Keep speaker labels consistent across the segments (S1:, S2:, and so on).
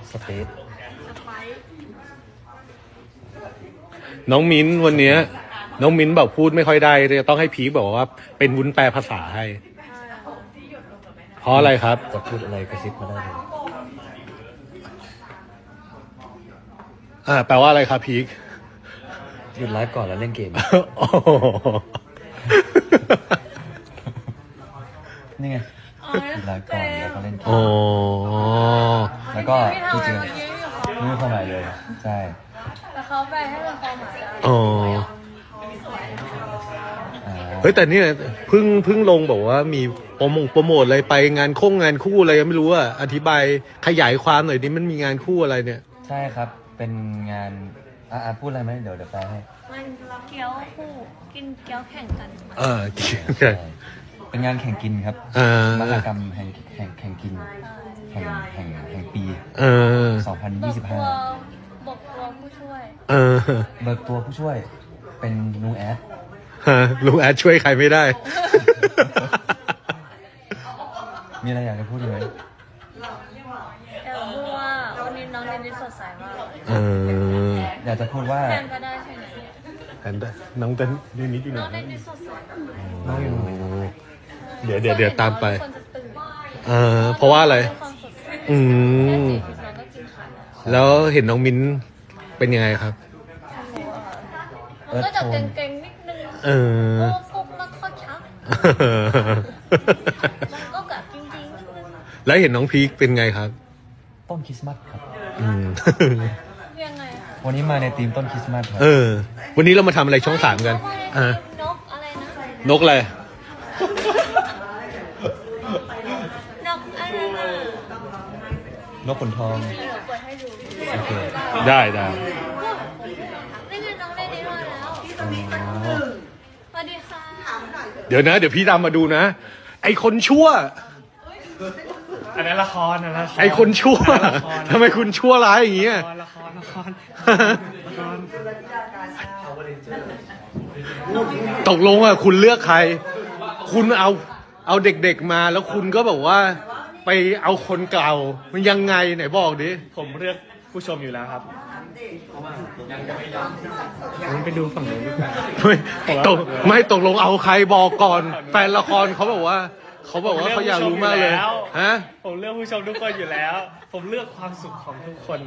S1: สเปซ
S2: น้องมิ้นวันนี้น้องมิ้นแบบพูดไม่ค่อยได้เลยต้องให้พีคบอกว่าเป็นวุ้นแปลภาษาให้เพราะอะไรครับ
S1: จะพูดอะไรกระซิบมาได้เลย
S2: แปลว่าอะไรครับพีค
S1: หยุดไลฟ์ก่อนแล้วเล่นเกมนี่ไงหยุดไลฟ์ก่อนแล้วก็เล่นเกมแล้วก็ที่จริงไม่มีความหมายเลยใช่
S3: แต่เขาไปให้เป็นความหมาย
S2: เฮ้ยแต่นี่เพิ่งลงบอกว่ามีโปรโมทอะไรไปงานคู่อะไรไม่รู้อะอธิบายขยายความหน่อยดิมันมีงานคู่อะไรเนี่ย
S1: ใช่ครับเป็นงานพูดอะไรไหมเดี๋ยวแปลให้
S3: มันเกี๊ยวคู่กินเกี๊ยวแข่งกัน
S1: เป็นงานแข่งกินครับมหกรรมแห่งกินแห่งปี2025
S3: บอกตัวผู้ช่วย
S1: เบิกตัวผู้ช่วยเป็นลุงแอด
S2: ลุงแอดช่วยใครไม่ได้
S1: มีอะไรอยากจะพูดไหม
S3: อยากพูดว่าวันนี้น้องเดนนิสสดใสมาก
S1: อยากจะพูดว่า
S3: แทนก็ได้ใช่ไหม
S2: แทนได้น้องเดนนิสอยู่ไหน
S3: น้องเดนนิสสดใส
S1: น้องอยู่ไหน
S2: เดี๋ยวตามไปเพราะว่าอะไรแล้วเห็นน้องมิ้นเป็นยังไงครับ
S3: ก็จะเก่งๆนิดนึงกุ๊กนักข้อชักก็แบบจริงๆ
S2: แล้วเห็นน้องพีคเป็นไงครับ
S1: ต้นคริสต์มาสครับ
S3: ยังไง
S1: วันนี้มาในธีมต้นคริสต์มาสครับ
S2: วันนี้เรามาทำอะไรช่อง3กัน
S3: นกอะไรนะ
S2: นกอะไร
S1: นกขนทอง
S2: โอเคได้
S3: นี่ไงน้องได้ดีมาแล้วสวัสดีค่ะ
S2: เดี๋ยวพี่ดำมาดูนะไอคนชั่ว
S4: อันนั้นละคร
S2: ไอคนชั่วทำไมคุณชั่วร้ายอย่างเงี้ย
S4: ละคร
S2: ตกลงคุณเลือกใครคุณเอาเด็กๆมาแล้วคุณก็แบบว่าไปเอาคนเก่ามันยังไงไหนบอกดิ
S4: ผมเลือกผู้ชมอยู่แล้วครับผมไปดูฝั่งนู้นดีกว่า
S2: ไม่ตกลงเอาใครบอกก่อนแฟนละครเขาบอกว่าเขาอยากรู้มากเลยฮะ
S4: ผมเลือกผู้ชมทุกคนอยู่แล้วผมเลือกความสุขของทุกคน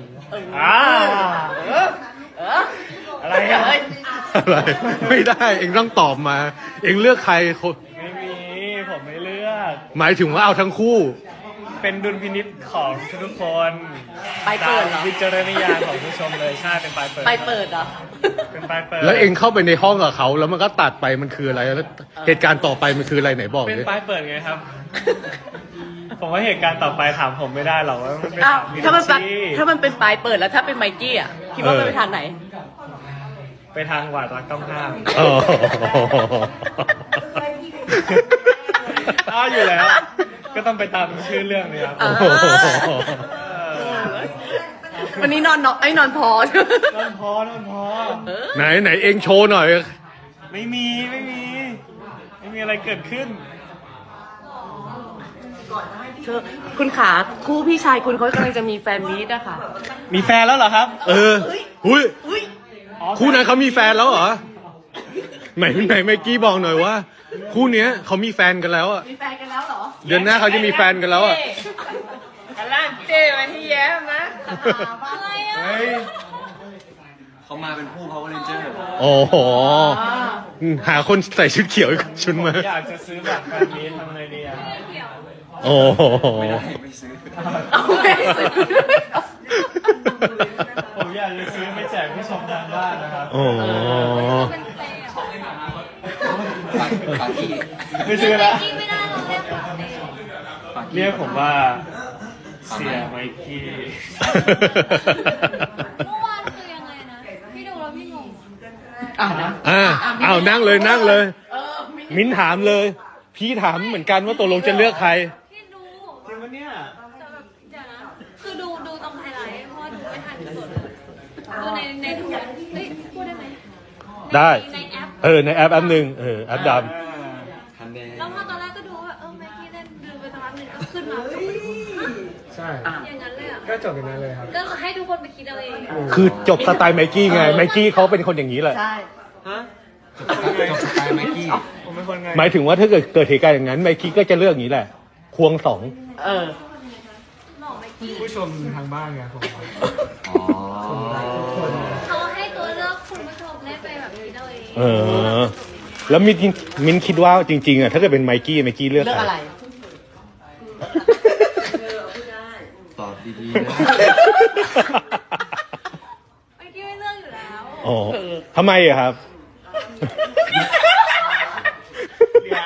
S4: อะไร
S2: ไม่ได้เองต้องตอบมาเองเลือกใคร
S4: ไม่มีผมไม่เลือก
S2: หมายถึงว่าเอาทั้งคู่
S4: เป็นดุลพินิจของทุกคน
S5: ไปเปิดเหรอ
S4: วิจารณญาณของผู้ชมเลยใช่เป็นไปเปิด
S5: เหรอ
S4: เป็นไปเปิด
S2: แล้วเองเข้าไปในห้องกับเขาแล้วมันก็ตัดไปมันคืออะไรแล้วเหตุการณ์ต่อไปมันคืออะไรไหนบอก
S4: เป็นไปเปิดไงครับผมว่าเหตุการณ์ต่อไปถามผมไม่ได้หรอกว่ามันเป็น
S5: ถ้ามันเป็นปลายเปิดแล้วถ้าเป็นไมกี้อ่ะคิดว่าไปทางไหน
S4: ไปทางหวาดรักต้องห้ามอยู่แล้วก็ต้องไปตามชื่อเรื่องนี้ครับ
S5: วันนี้นอนพอน
S4: อนพอ
S2: ไหนเองโชว์หน่อย
S4: ไม่มีอะไรเกิดขึ้น
S5: คุณขาคู่พี่ชายคุณเขากำลังจะมีแฟนมีตอะค่ะ
S4: มีแฟนแล้วเหรอครับ
S2: หุ้ยคู่นั้นเขามีแฟนแล้วเหรอไหนเมื่อกี้บอกหน่อยว่าคู่เนี้ยเขามีแฟนกันแล้วอ่ะ
S5: มีแฟนกันแล้วเหรอ
S2: เดือนหน้าเขาจะมีแฟนกันแล้วอ่ะ
S5: กำลังเจ๊มาที่แย้มนะ
S3: อะไรอ่ะ
S1: เขามาเป็นผู้เขาเรนเจอร์
S2: โอ้โหหาคนใส่ชุดเขียวชุดมา
S4: อยากจะซื้อแบบแบบนี้ทำไงดีอ่ะ
S2: โอ้
S1: ไม่ซื้อ
S4: ผมอยากจะซื้อไปแจกผู้ชมทางบ้านนะครับไม่ซื้อแล้วเรียกผมว่าเสียไมกี้
S3: เมื่อวานคือยังไงนะพี่ดูแล้วพี่งง
S2: นั่งเลยมิ้นถามเลยพี่ถามเหมือนกันว่าตกลงจะเลือกใคร
S3: พี่ดู
S4: จริงปะเนี่ย
S3: แต่แบบเดี๋ยวนะคือดูตรงไฮไลท์เพราะดูไม่ทันที่สุดดูในทุกพูดได้ไหม
S2: ได้
S3: ในแอป
S2: ในแอปหนึ่งแอปดำ
S3: แล้วพอตอนแรกก็ดูว่าไมกี้เล่นดูไปสักพักหนึ่งก็ขึ้นมาใช่อย่างนั้นเลยอ่ะ
S4: ก็จบอย่างนั้นเลยครับ
S3: ก็ให้ทุกคนไปคิดเอาเอง
S2: คือจบสไตล์ไมกี้ไงไมกี้เขาเป็นคนอย่างนี้แหละ
S5: ใช่
S4: ฮะ
S1: จบสไตล์ไมกี้
S4: ผมเป็นคนไง
S2: หมายถึงว่าถ้าเกิดเหตุการณ์อย่างนั้นไมกี้ก็จะเลือกอย่างนี้แหละ ควงสอง
S5: เออ
S3: หมอไม่คิด
S4: ผู้ชมทางบ้านไงผม
S1: อ๋อ
S3: เขาให้ตัวเลือกคุณผู้ชมได้ไปแบบคิดเอาเอง
S2: เออ แล้วมินคิดว่าจริงๆอ่ะถ้าเกิดเป็นไมกี้เลือก
S5: เลือก
S2: ใคร
S5: อะไร
S1: ตอบดีๆนะ
S3: ไม่คิดไม่เลือกอยู่แล้ว
S2: อ๋อทำไมอะครับ
S4: เนี่ย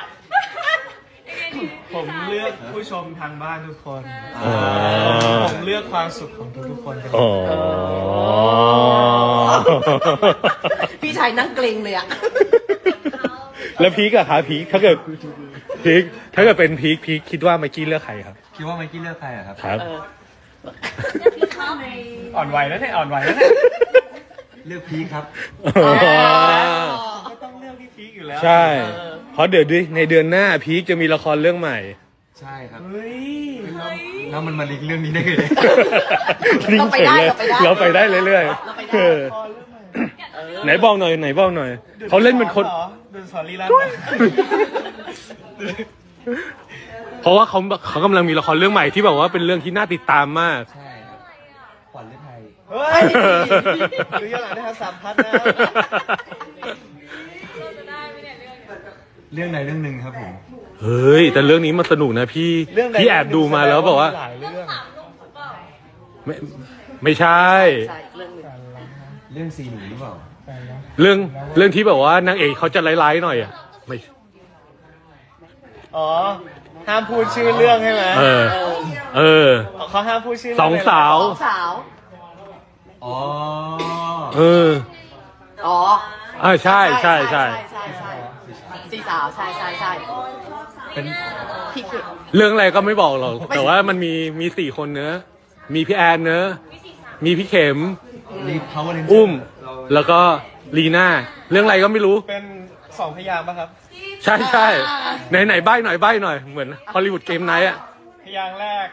S4: ผมเลือกผู้ชมทางบ้านทุกคน
S2: อ๋อ
S4: ผมเลือกความสุขของทุกๆคนเป็น
S2: อ๋อ
S5: พี่ชายนั่งเกรงเลยอะ
S2: แล้วพีกอะครับพีกถ้าเกิดเป็นพีกคิดว่าไมกี้เลือกใครครับ
S1: คิดว่าไมกี้เลือกใครอะครับ
S2: ครับ
S5: เออ
S4: อ่อนไหวแล้วเนี่ยอ่อนไหวแล้วเนี่ย
S1: เลือกพีคครับ
S4: ก็ต้องเลือกพี่พีคอยู่แล้ว
S2: ใช่ เพราะเดี๋ยวในเดือนหน้าพีกจะมีละครเรื่องใหม่
S1: ใช่ครับ
S4: เฮ้ย
S1: แล้วมันมาลิงก์เรื่องนี้ได้ไงเนี่ย
S5: เราไปได้
S2: เราไปได้เรื่อย
S5: เราไป
S2: ๆ
S5: ได้
S2: เออไหนบอกหน่อยเขาเล่นเป็นคน
S4: ดูสอนลีลา
S2: เพราะว่าเขากำลังมีละครเรื่องใหม่ที่แบบว่าเป็นเรื่องที่น่าติดตามมาก
S1: ใช่ครับขวัญฤทัย
S4: เฮ้ยดูย้อนหลังได้ครับ3 พัทนะ
S3: เราจะได้ไหมเนี่ยเรื่อง
S1: เรื่องใดเรื่องหนึ่งครับผม
S2: เฮ้ย แต่เรื่องนี้มันสนุกนะพี่แอบดูมาแล้วบอกว่า
S4: หลาย
S3: เรื่
S4: เรื่
S3: อ
S4: อง ง
S3: สามลงถูกเปล่า
S2: ไม่ใช่
S5: ใช่เรื่องหนึ่ง
S1: เรื่องซีหนูหรือเปล่า
S2: เรื่องที่แบบว่านางเอกเขาจะร้ายๆหน่อยอ่ะไม่
S4: อ๋อห้ามพูดชื่อเรื่องใช่ไหม
S2: เออ
S4: เขาห้ามพูดชื่อ
S2: สองสาว
S5: สาว
S1: อ๋อ
S2: เออ
S5: อ๋อ
S2: ใช่ใช่
S5: สี่สาวใช่
S1: เป็น
S5: พี่คือ
S2: เรื่องอะไรก็ไม่บอกหรอกแต่ว่ามันมี4 คนเนอะมีพี่แอนเนอะมีพี่เข็ม
S1: รีพาวเวอร์เรนเจอร์
S2: อุ้ม แล้วก็ลีน่าเรื่องอะไรก็ไม่รู้
S4: เป็น2 พยางค์ป่ะครับ
S2: ใช่ไหนใบ้หน่อยเหมือนฮอลลีวูดเกมไนท์อ่ะ
S4: พยางค์แรก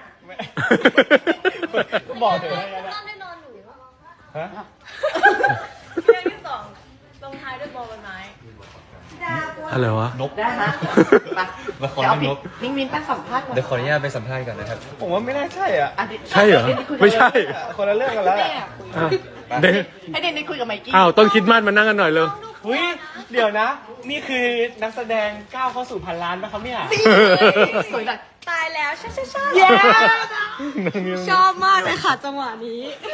S4: บอกเถอะพยางค์แรก
S3: ตอนได้นอนหนู
S4: ฮะ
S3: เรื่องที่สองลงท้ายด้วยบอลใบไม้
S2: อะไรวะ
S1: นก
S5: ได้ฮะไป
S1: ละคร
S5: เดี๋ยวเอา
S1: เรื่องนก
S5: นิ่งมินตั้งสัมภาษณ์ก่อน
S1: เดี๋ยวขออนุญาตไปสัมภาษณ์ก่อนนะครับ
S4: ผมว่าไม่น่าใช่อ่ะ
S2: ใช่เหรอไม่ใช่
S4: คนละเรื่องกันแล้ว
S2: อ้าวเด็ก
S5: ให้เด็กคุยกับไมกี้
S2: อ้าวต้นคิดมากมานั่งกันหน่อยเลย
S4: หุ้ยเดี๋ยวนะ นี่คือนักแสดงก้าวเข้าสู่พันล้านนะครับเนี่ย
S5: สวยหน่อย
S3: ตายแล้วใช่
S5: เย้
S3: ชอบมากเลยค่ะจังหวะนี้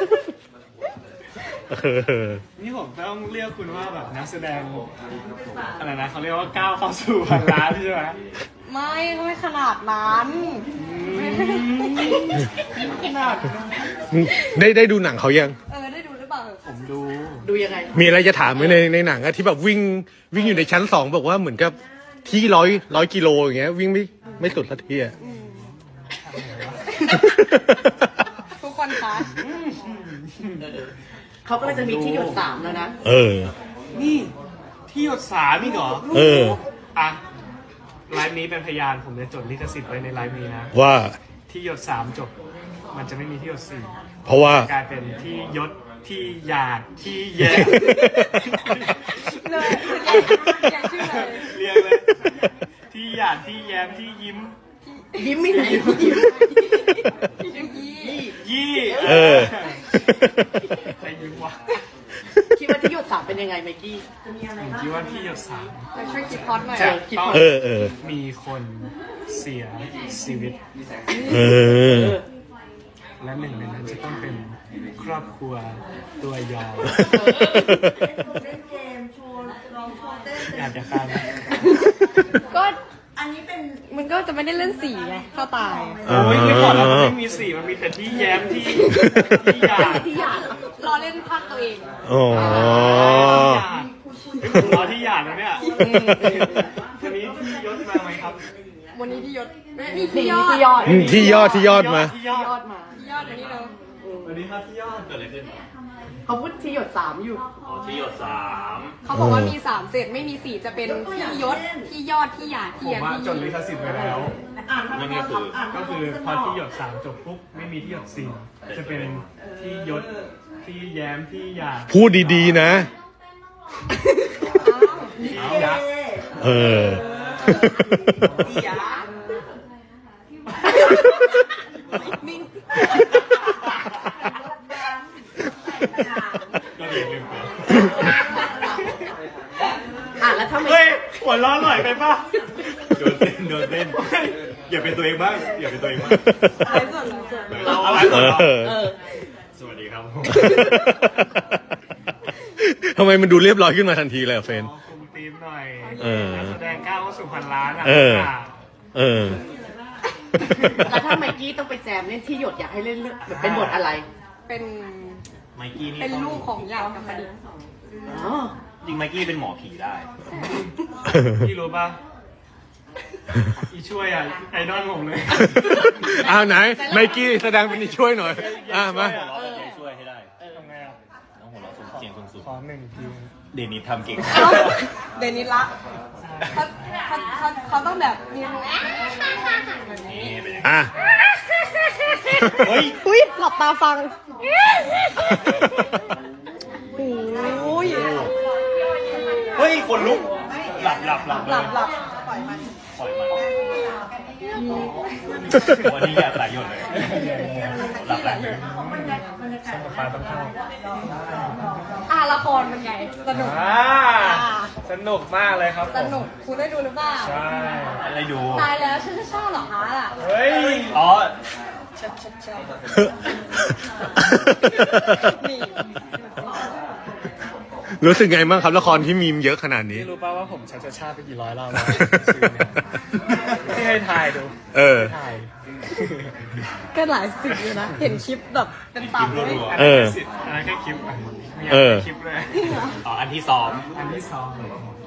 S4: นี่ผมต้องเรียกคุณว่าแบบนักแสดงอะไรนะเขาเรียกว่าก้าวเข้าสู่พันล้านใช่ไหม
S3: ไม่ก็ไม่ขนาดนั้น
S4: ขนาด
S2: ได้ดูหนังเขายัง
S3: ได้ดูหรือเปล่า
S4: ผมดู
S5: ดูยังไง
S2: มีอะไรจะถามไหมในหนังอะที่แบบวิ่งอยู่ในชั้น2บอกว่าเหมือนกับที่ร้อยกิโลอย่างเงี้ยวิ่งไม่สุดสักทีอะ
S3: ทุกคนคะ
S5: เขาก็เลยจะมีที่หยด3แล้วนะ
S2: เออ
S4: นี่ที่หยด3อีกเหรอ
S2: เออ
S4: อ่ะไลฟ์นี้เป็นพยานผมจะจดลิขสิทธิ์ไว้ในไลฟ์นี้นะ
S2: ว่า
S4: ที่หยด3จบ มันจะไม่มีที่หยด4
S2: เพราะว่า
S4: กลายเป็นที่ยศที่หยาดที่แย่
S3: เลยอย่างชื่อเลย
S4: เรียงเลย ที่หยาดที่แย้มที่ยิ้ม
S5: ยิ้มไม่ไหนยิ้ม
S4: ยี่
S2: เออ
S4: ใครยิ้มวะ
S5: คิดว่าที่หยด3เป็นยังไงไมกี้
S4: ผมคิดว่าที่หยด
S3: ไปช่วยคิดพอดหน่อย
S4: 3จะต้อง
S2: เออ
S4: มีคนเสียชีวิต
S2: เออ
S4: และหนึ่งในนั้นจะต้องเป็นครอบครัวตัวยาว
S6: เล่นเกมโชว์ร้องโชว์เต้น
S4: อยากจะข้าม
S3: ก็
S6: อันนี้เป็น
S3: มันก็จะไม่ได้เล่นสีไงถ้าตาย
S4: โอ้ยไม่ก่อนแล้วมันไม่มี4มันมีแต่ที่แย้มที่หยาด
S5: ที่หยาด
S3: รอเล่นภาคตัวเอง
S2: อ๋อ
S4: ผมรอที่หยาดแล้วเนี่ยวันนี้ที่ยศมาไหมครับ
S3: วันนี้ที่ยศนี่
S5: นี่
S3: ที่ยอด
S5: ที่ยอด
S2: ที่ยอดมา
S4: ที่ยอด
S5: ยอดมา
S3: ที่ยอดอันนี้เรา
S4: วันนี้ครับที่ยอดเกิดอะไรขึ้น
S5: เขาพูดที่หยด3อยู่
S3: เขาบอกว่ามี3เศษไม่มี4จะเป็นที่ยศที่ยอดที่หยาด
S4: ผ
S3: ที่
S4: ม
S3: ยา
S4: ว่า
S3: ที่
S4: จดลิขสิทธิ์ไว้แล้ว
S6: อ่านทั้งหมด
S4: ก็คือพอที่หยด3จบปุ๊บไม่มีที่หยด4 จะเป็นพี่ยศพี่แย้มพี่หยาด
S2: พูดดีๆนะ
S4: พี่ยักษ์
S2: เออ
S4: ก็เรียนลืมไป
S5: แล้วถ้าไม่
S4: เฮ้ยหัวเร้อนหน่อยไปป่ะ
S1: โดนเต้นอย่าเป็นตัวเองบ้างอย่าเป็นตัวเองบ้าง
S4: เอาไว้ก่อนสวัสดีครับ
S2: ทำไมมันดูเรียบร้อยขึ้นมาทันทีเลยอะเฟรน
S4: คุมทีมหน่อย
S2: เออ
S4: นักแสดงก้าวเข้าสู่พันล้านอ่ะ
S2: เออ เออ
S5: แล้วถ้าไมกี้ต้องไปแจมเล่นที่หยดอยากให้เล่นเรื่องแบบเป็นบทอะไร
S3: เป็น
S1: ไมกี้นี่
S3: เป็นลูกของยาวกับประดิษฐ์
S5: อ๋อ
S1: จริงไมกี้เป็นหมอผีได้
S4: พี่รู้ป่ะอีช่วยอ่ะไอดอลผมเลย
S2: อ้าวไหน ไมกี้แสดงเป็นช่วยหน่อย มา
S1: หัวเราะแบบนี้ช่วยให้ได้
S4: ทำไงอ่ะ
S1: น้องหัวเราะเสียงสูง
S4: ขอหนึ่งที
S1: ๆเดนิสทำเก่ง
S3: เดนิสละเขาต้องแบบมี
S1: นี่เป็นยังไง
S2: อ่ะ
S1: เฮ้ย
S3: อุ้ยหลับตาฟังโอ้ย
S1: เฮ้ยคนลุกหลับ
S3: หลับ
S1: ปล่อยมันวันนี้อยากไหลหยดเลยหลับเลย
S4: สมปาต้องเข้า
S3: ละครเป็นไงสนุก
S4: สนุกมากเลยครับ
S3: สนุกคุณได้ดูหรือเปล่า
S4: ใช่
S1: อะไรดู
S3: ตายแล้วฉันจะชอบเหรอคะล่ะ
S4: เฮ้ย
S1: อ๋อ
S3: นี่
S2: รู้สึกไงบ้างครับละครที่มีมเยอะขนาดนี้
S4: พี่รู้ป่าวว่าผมชัดชาติไปกี่ร้อยรอบแล้วที่ให้ถ่ายดู
S2: เออ
S4: ถ่าย
S3: ก็หลายสิบอยู่นะ เห็นคลิปแบบเป็นตับเลย
S2: เออ
S4: อันนั้นแค่คลิปอ่ะมี
S2: เออ
S4: คลิปเลย
S1: อ๋ออันที่ซ้อม
S4: อันที่สอง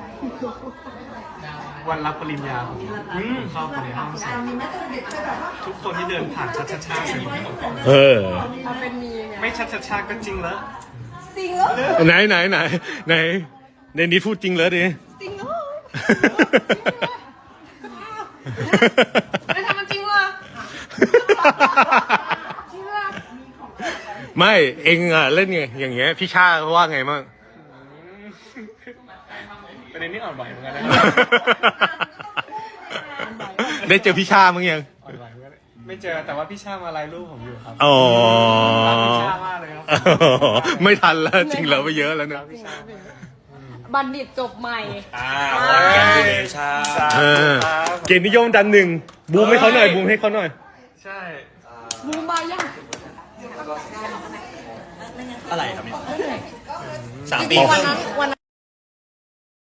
S4: วันรับปริญญาผมเข้าไปในห้องสอบทุกคนที่เดินผ่านชัดชาติ
S2: เออ
S3: เอาเป็นมีไง
S4: ไม่ชัดชาติก็จริงแล้ว
S3: จริงเหรอ
S2: ไหนในนี้พูดจริงเลยดิ
S3: จริงเหรอไม่ทำมันจริงเหรอจริงเหรอ
S2: ไม่เองอ่ะเล่นไงอย่างเงี้ยพี่ชาเขาว่าไงบ้าง
S4: ประเด็นนี้อ่อนไหวเหมือนกันนะ
S2: ได้เจอพี่ชามั้งยัง
S4: อ่อนไหวเหมือนกันไม่เจอแต่ว่าพี่ชามาไลน์รูปผมอยู่ครับ
S2: อ๋อ
S4: รักพี่ชามากเลยครับ
S2: ไม่ทันแล้วจริงแล้วไปเยอะแล้วนะ
S3: บัณฑิตจบใหม่
S1: แกนดิเดชา
S2: เออเกียรตินิยมดันหนึ่งบูมให้เขาหน่อยบูมให้เขาหน่อย
S4: ใช่
S3: มูมายัง
S1: อะไรครับเนี่ย
S3: จริงๆวันนั้น